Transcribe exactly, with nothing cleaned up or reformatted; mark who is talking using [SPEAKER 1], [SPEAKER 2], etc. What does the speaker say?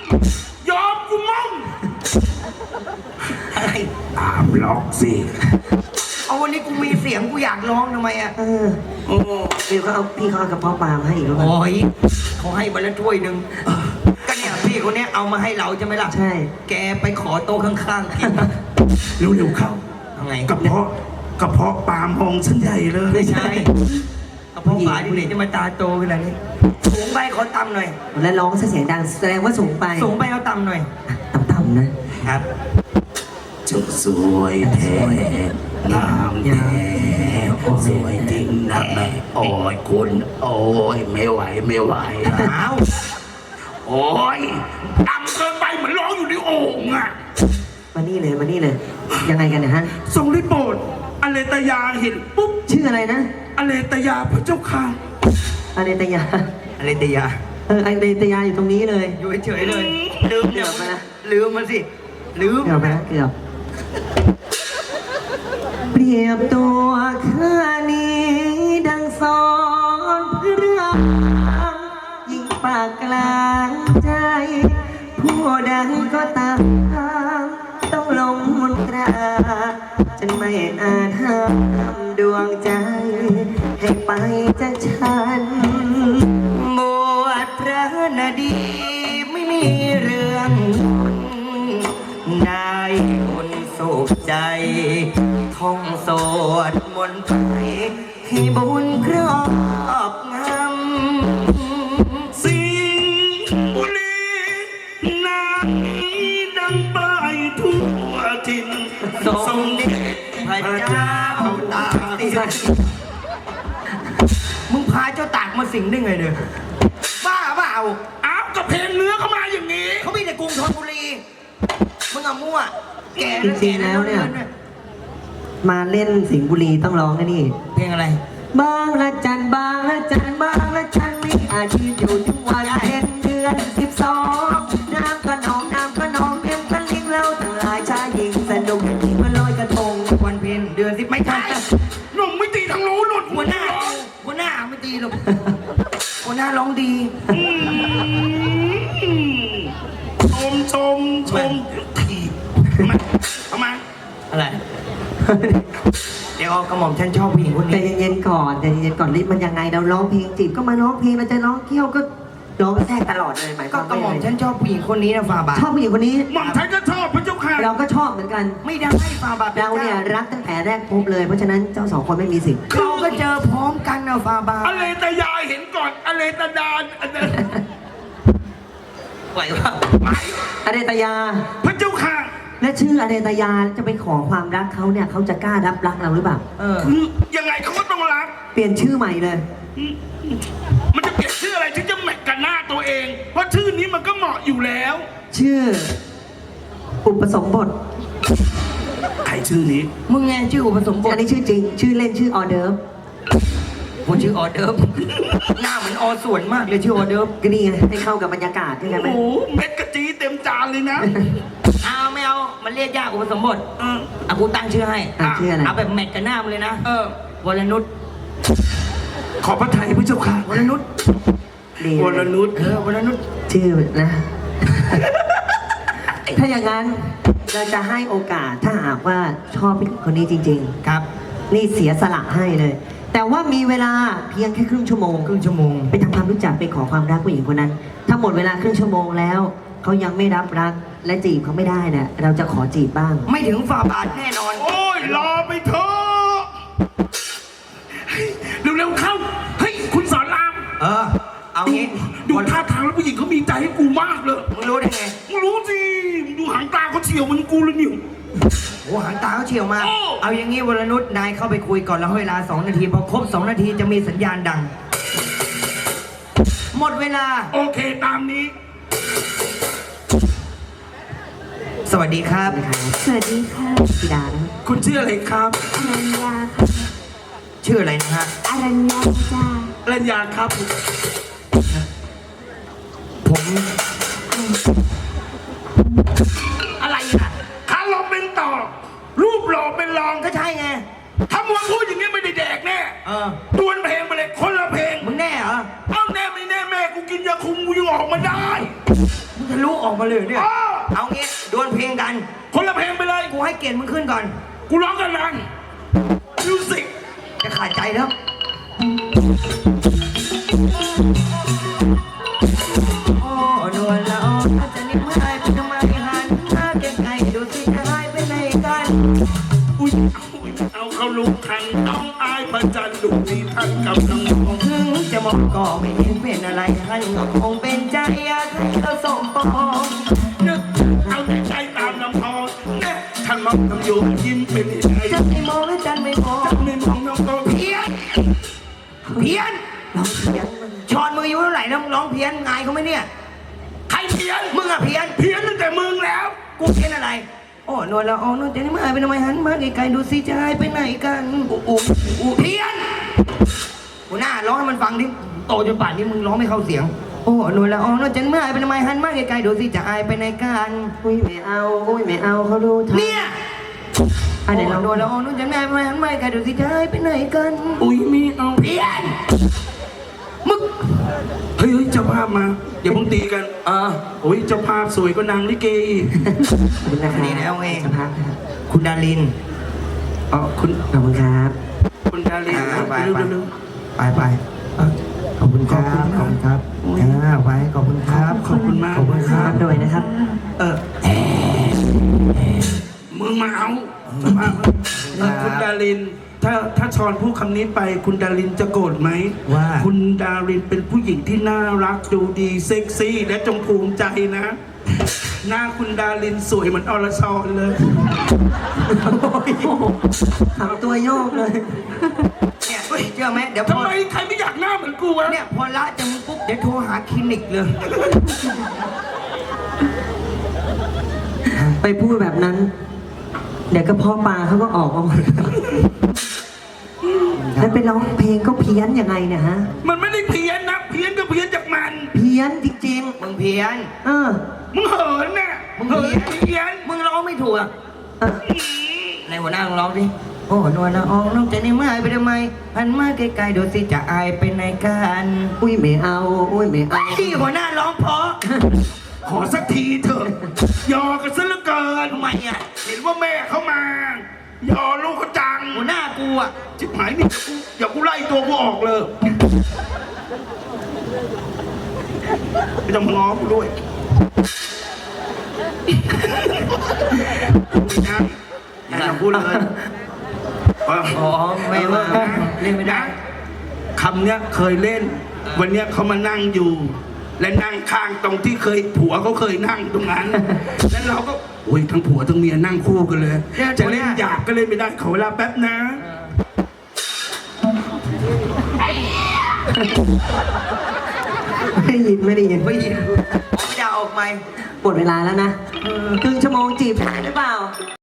[SPEAKER 1] ยอมกูมั่ง
[SPEAKER 2] อะไร
[SPEAKER 1] ตามล็อกสิ
[SPEAKER 2] เอาวันนี้กูมีเสียงกูอยากร้องทำไมอ่ะ
[SPEAKER 3] เออ
[SPEAKER 1] โอ้
[SPEAKER 3] พี่เขาเอาพี่เขาเอากระเพาะปลามาให้อีกแล้วกัน
[SPEAKER 2] โอ้ยเขาให้มาแล้วถ้วยหนึ่งก็เนี่ยพี่คนเนี้ยเอามาให้เราใช่ไหมล่ะ
[SPEAKER 3] ใช่
[SPEAKER 2] แกไปขอโต๊ะข้างๆกิน
[SPEAKER 1] เร็วๆเข้า
[SPEAKER 2] ทำไง
[SPEAKER 1] กระเพาะกระเพาะปลามองฉันใหญ่เลย
[SPEAKER 2] ไม่ใช่กระเพาะปลาที่ไหนจะมาตาโตขนาดนี้สูงไปขอตำหน่อย
[SPEAKER 3] แล้วร้องเสียงดังแสดงว่าสูงไป
[SPEAKER 2] สูงไปเอาตำหน่อย
[SPEAKER 3] ต่ำๆนะครับ
[SPEAKER 1] จะสวยแท้งามแท้สวยจริงนะแม่โอ้ยคุณโอ้ยไม่ไหวไม่ไหว
[SPEAKER 2] อ้าว
[SPEAKER 1] โอ้ยดำเกินไปเหมือนร้องอยู่ในโอ่งอะ
[SPEAKER 3] มานี่เลยมานี่เลย ยังไงกันเนะฮะ
[SPEAKER 1] ทรงได้โปรดอเลตยาเห็นปุ๊บ
[SPEAKER 3] ชื่ออะไรนะ
[SPEAKER 1] อเลตยาพระเจ้าค่ะ
[SPEAKER 3] อเนตยา
[SPEAKER 2] อะไรเตีย
[SPEAKER 3] เอออเนตยาอยู่ตรงนี้เลย
[SPEAKER 2] อยู่เฉยๆเลยลืม
[SPEAKER 3] เกือบไปนะ
[SPEAKER 2] ลืมมันสิลืม
[SPEAKER 3] เกือบไปนะเกือบเปรียบตัวข้านี้ดังสอนพระรามยิ่งปากกลางใจ ผู้ใดก็ตามต้องลงมนตราจนไม่อาจห้ามดวงใจ ให้ไปจากฉัน
[SPEAKER 2] บวชพระนาดีไม่มีเรื่องได้คนสุขใจ ท่องสวดมนต์ไปให้บุญครอบงำ
[SPEAKER 1] สิงห์บุรีนางดังไปทั่วถิ่น
[SPEAKER 2] ทรงเด็จพระเจ้าตากสินมึงพาเจ้าตากมาสิงได้ไงเนี่ยบ้าเปล่า
[SPEAKER 1] อ้าวกับเพลงเนื้อเข้ามาอย่างนี้
[SPEAKER 2] เขามีแต่กรุงธนบุรีมึงอะมั่วแก
[SPEAKER 3] จริงๆแล้วเนี่ย มาเล่นสิงห์บุรีต้องร้องนะนี่
[SPEAKER 2] เพลงอะไร
[SPEAKER 3] บางละจันบางละจันบางละจันมีอาชีพอยู่ทุกวันเพ็ญเดือนสิบสองน้ำกระนองน้ำกระนองเพียงกันลิงเราทั้งหลายชายหญิงสนุกอย่างที่มันลอยกระทง
[SPEAKER 2] วันเพ็ญเดือนสิบไม่ใช่
[SPEAKER 1] หนุ่มไม่ตีทางโน้นหนุ่ม
[SPEAKER 2] หัวหน้าหัวหน้าไม่ตีหรอกหัวหน้าร้องดี
[SPEAKER 1] ชมชมชมทีทำไมทำไม
[SPEAKER 2] อะไร เดี๋ยวกระหม่อมฉันชอบผู้หญิงคน
[SPEAKER 3] ใจ
[SPEAKER 2] นี้
[SPEAKER 3] เย็นๆก่อนใจเย็นๆก่อนรีบมันยังไงเราร้องเพลงจีบก็มาร้องเพลงเราจะร้องเที่ยวก็ร้องแทรกตลอดเลยหมายค
[SPEAKER 2] ก็
[SPEAKER 3] วาม
[SPEAKER 2] กระหม่อม
[SPEAKER 3] ว่า
[SPEAKER 2] ฉันชอบผู้หญิงคนนี้นะฟาบาท
[SPEAKER 3] ชอบผู้หญิงคนนี้
[SPEAKER 1] หม่อมฉันก็ชอบพระเจ้าค่ะ
[SPEAKER 3] เราก็ชอบเหมือนกัน
[SPEAKER 2] ไม่ได้ฟาบาท
[SPEAKER 3] เราเนี่ยรักตั้งแต่แรกพบเลยเพราะฉะนั้นเจ้าสองคนไม่มีสิทธิ์
[SPEAKER 2] เราก็เจอพร้อมกันนะฟาบาท
[SPEAKER 1] อเลตยาเห็นก่อนอเลตดานอันนั้น
[SPEAKER 2] ไหวว่า
[SPEAKER 1] ไป
[SPEAKER 3] อเดตยา
[SPEAKER 1] พระเจ้าค่ะ
[SPEAKER 3] และชื่ออเดตยาจะไปขอความรักเขาเนี่ยเขาจะกล้ารับรักเราหรือเปล่า
[SPEAKER 2] เออ
[SPEAKER 1] คือยังไงเขาก็ต้องรัก
[SPEAKER 3] เปลี่ยนชื่อใหม่เลย
[SPEAKER 1] มันจะเปลี่ยนชื่ออะไรที่จะแมทกับหน้าตัวเอง เพราะชื่อนี้มันก็เหมาะอยู่แล้ว
[SPEAKER 3] ชื่อ อุปสมบท
[SPEAKER 1] ใครชื่อนี้
[SPEAKER 2] มึงไงชื่ออุปสมบท
[SPEAKER 3] อันนี้ชื่อจริง ชื่อเล่นชื่อออเดิร์ฟ
[SPEAKER 2] ผมชื่อออเดิร์ฟหน้าเหมือนอส่วนมากเลยชื่อออเดิร์ฟ
[SPEAKER 3] ก็นี่ไงให้เข้ากับบรรยากาศใช่ไหม
[SPEAKER 1] โอ้โหเม็ดกะจีเต็มจานเลยนะ
[SPEAKER 2] เอาไม่เอามันเรียกยากอุปสมบท
[SPEAKER 1] เออ
[SPEAKER 2] อ่ะกูตั้งชื่อให้
[SPEAKER 3] อ่ะชื่ออะไร
[SPEAKER 2] เอาแบบแมทกับหน้ามันเลยนะ
[SPEAKER 1] เออ
[SPEAKER 2] วรนุช
[SPEAKER 1] ขอพระไทยพระเจ้าค่ะ
[SPEAKER 2] วรนุช
[SPEAKER 3] ดี
[SPEAKER 1] วรนุช
[SPEAKER 2] เออวรนุช
[SPEAKER 3] ชื่อนะ ถ้าอย่างนั้นเราจะให้โอกาสถ้าหากว่าชอบผู้หญิงคนนี้จริง
[SPEAKER 2] ครับ
[SPEAKER 3] ๆ นี่เสียสละให้เลย แต่ว่ามีเวลาเพียงแค่ครึ่งชั่วโมง
[SPEAKER 2] ครึ่งชั่วโมง
[SPEAKER 3] ไปทำความรู้จักไปขอความรักผู้หญิงคนนั้น ถ้าหมดเวลาครึ่งชั่วโมงแล้วเขายังไม่รับรักและจีบเขาไม่ได้เนี่ยเราจะขอจีบบ้าง
[SPEAKER 2] ไม่ถึงฝ่าบาทแน่นอน
[SPEAKER 1] โอ้ยรอไปเถอะเฮ้ยเร็วๆเข้า เฮ้ย คุณสอนราม
[SPEAKER 2] เออ เอางี้
[SPEAKER 1] ดูท่าทางแล้วผู้หญิงเขามีใจให้กูมากเลย
[SPEAKER 2] มึงรู้ได้ไง
[SPEAKER 1] มึงรู้สิมึงดูหางตาเขาเฉียวเหมันกูเลยนิว
[SPEAKER 2] โอ้หางตาเขาเฉียวมาก
[SPEAKER 1] โอ้
[SPEAKER 2] เอาอย่างงี้วรนุชนายเข้าไปคุยก่อนแล้วให้เวลาสองนาทีพอครบสองนาทีจะมีสัญญาณดัง หมดเวลา
[SPEAKER 1] โอเคตามนี้
[SPEAKER 2] สวัสดีครับ
[SPEAKER 4] สวัสดีค่ะ
[SPEAKER 3] ธิดานะ
[SPEAKER 1] คุณชื่ออะไรครับ
[SPEAKER 4] อรัญญาค่ะ
[SPEAKER 2] ชื่ออะไรนะฮะ
[SPEAKER 4] อรัญญาจ้า
[SPEAKER 1] รัญญาครับ
[SPEAKER 2] ผม
[SPEAKER 1] อะไรอ่ะขาหล่อเป็นต่อ รูปหล่อเป็นรอง
[SPEAKER 2] ก็ใช่ไง
[SPEAKER 1] ถ้ามึงพูดอย่างนี้ไม่ได้แดกแน่
[SPEAKER 2] เออ
[SPEAKER 1] ดวลเพลงไปเลยคนละเพลง
[SPEAKER 2] มึงแน่เหรอ
[SPEAKER 1] เอ้าแน่ไม่แน่แม่กูกินยาคุมกูยังออกมาได้
[SPEAKER 2] มึงทะลุออกมาเลยเนี่ย เอางี้ดวลเพลงกัน
[SPEAKER 1] คนละเพลงไปเลย
[SPEAKER 2] กูให้เกียรติมึงขึ้นก่อน
[SPEAKER 1] กูร้องกันลังมิวสิก
[SPEAKER 2] จะขาดใจแล้วโอ้นวลละอองจะนิ่มหายไปทำไมหันหน้าไกลๆดูสิจะหายไปไหนกัน
[SPEAKER 1] อุ้ยเอาเขาลุกทันน้องอายพระจันทร์ดุนี้ท่านกำลังมอง
[SPEAKER 2] ถึงจะมองก็ไม่เห็นเป็นอะไรหันก็คงเป็นใจอยากให้เขาสมปอง
[SPEAKER 1] นึกเอาแต่ใจตามลำพองแน่ท่านมองทำอยู่ยิ้มเป็นยังไง
[SPEAKER 2] จะไม่มองและจันไม่มอง
[SPEAKER 1] ไม่มองน้องก็
[SPEAKER 2] เพี้ยนเพี้ยนร้องเพี้ยนชอนมืออยู่เท่าไหร่แล้วร้องเพี้ยนไงเขาไหมเนี่ย
[SPEAKER 1] ใครเพี้ยน
[SPEAKER 2] มึงอะเพี้ยน
[SPEAKER 1] เพี้ยนตั้งแต่มึงแล้ว
[SPEAKER 2] กูเพี้ยนอะไรโอ้นวลละอองนวลจะนี่มาหายไปทำไมหันมาไกลๆดูสิจะหายไปไหนกันอู้อู้อู้เพี้ยนหัวหน้าร้องให้มันฟังดิโตจนป่านนี้มึงร้องไม่เข้าเสียงโอ้นวลละอองนวลจะนี่มาหายไปทำไมหันมาไกลๆดูสิจะหายไปไหนกัน
[SPEAKER 3] อุ้ยไม่เอาอุ้ยไม่เอาเขารู้ทัน
[SPEAKER 2] เนี่ย
[SPEAKER 3] อันไหน
[SPEAKER 2] โอ้
[SPEAKER 3] เรา
[SPEAKER 2] นวลละอองนวลจะนี่มาหายไปทำไมหันมาไกลๆดูสิจะหายไปไหนกัน
[SPEAKER 1] อุ้ยมีเอา
[SPEAKER 2] เพี้ยนมึง
[SPEAKER 1] เฮ้ยเฮ้ยเจ้าภาพมาอย่าเพิ่งตีกันอ่าโอ้ยเจ้าภาพสวยกว่านางลิเกอีก
[SPEAKER 3] ขอบคุณนะครับ
[SPEAKER 2] นี่แล้วไง
[SPEAKER 3] สภาพครับ
[SPEAKER 2] คุณดาริน
[SPEAKER 1] อ๋อคุณ
[SPEAKER 3] ขอบคุณครับ
[SPEAKER 1] คุณดาริน
[SPEAKER 2] อ่าไป
[SPEAKER 1] เร็ว
[SPEAKER 2] ไป
[SPEAKER 1] เร็ว
[SPEAKER 2] ไปไป
[SPEAKER 1] อ่ะ
[SPEAKER 2] ขอบคุณครับขอบคุณครับอ่าไปขอบคุณครับ
[SPEAKER 1] ขอบคุณมาก
[SPEAKER 2] ขอบคุณครับ
[SPEAKER 3] ด้วยนะครับ
[SPEAKER 2] เออ
[SPEAKER 1] มึงมาเอาเจ้าภาพเออคุณดาริน ถ้าถ้าชอนพูดคำนี้ไป คุณดารินจะโกรธไหม
[SPEAKER 2] ว่า
[SPEAKER 1] คุณดารินเป็นผู้หญิงที่น่ารักดูดีเซ็กซี่ และจงภูมิใจนะ หน้าคุณดารินสวยเหมือนอรชรเลย
[SPEAKER 3] ทำตัวโยกเลย
[SPEAKER 2] เนี่ยเฮ้ยเชื่อไหมเดี๋ยวพ
[SPEAKER 1] ทำ
[SPEAKER 2] อ
[SPEAKER 1] ไมใครไม่อยากหน้าเหมือนกูวะ
[SPEAKER 2] เนี่ยพอละจากมึงปุ๊บเดี๋ยวโทรหาคลินิกเลย
[SPEAKER 3] ไปพูดแบบนั้น เดี๋ยวกระเพาะปลาเขาก็ออกมาหมดแล้วไปร้องเพลงก็เพี้ยนยังไงเนี่ยฮะ
[SPEAKER 1] มันไม่ได้เพี้ยนนะ เพี้ยนก็เพี้ยนจากมัน
[SPEAKER 3] เพี้ยนจริง
[SPEAKER 2] มึงเพี้ยน
[SPEAKER 3] ๆ เออ
[SPEAKER 1] มึงเหินน่ะ
[SPEAKER 2] มึง
[SPEAKER 1] เหิ
[SPEAKER 2] เพี้
[SPEAKER 1] น
[SPEAKER 2] ยน
[SPEAKER 1] เพี้ยน
[SPEAKER 2] มึงร้องไม่ถูกอะ
[SPEAKER 3] เออ
[SPEAKER 2] ในหัวหน้ามึงร้องดิโอ้นวลละอองน้องจะนี่มาหายไปทำไมหันมาไกลๆดูสิจะอายไปไหนกัน
[SPEAKER 3] อุ้ยไม่เอาอุ้ยไม่เอา
[SPEAKER 2] ที่หัวหน้าร้องเพราะ
[SPEAKER 1] ขอสักทีเถอะยอกันซะเหลือเกิน
[SPEAKER 2] ทำไมอ่ะ
[SPEAKER 1] เห็นว่าแม่เขามา ยอลูกเขาจัง
[SPEAKER 2] หัวหน้ากูอ่ะ
[SPEAKER 1] จิบหายนี่เดี๋ยวกูเดี๋ยวกูไล่ตัวกูออกเลยไม่ต้องมาง้อกูด้วยนะอย่าพูดเลยเออ
[SPEAKER 2] อ๋อไม่ว่าเล่นไม่ได้
[SPEAKER 1] คำเนี้ยเคยเล่น วันเนี้ยเขามานั่งอยู่ และนั่งข้างตรงที่เคยผัวเขาเคยนั่งตรงนั้น แล้วเราก็โอ้ยทั้งผัวทั้งเมียนั่งคู่กันเลย จะเล่นหยาบก็เล่นไม่ได้ขอเวลาแป๊บนะ
[SPEAKER 3] ไม่ได้ยินไม่ได้ยิน
[SPEAKER 2] ไม่ยินผมจะออกไหม
[SPEAKER 3] หมดเวลาแล้วนะครึ่งชั่วโมงจีบผ่านหรือเปล่า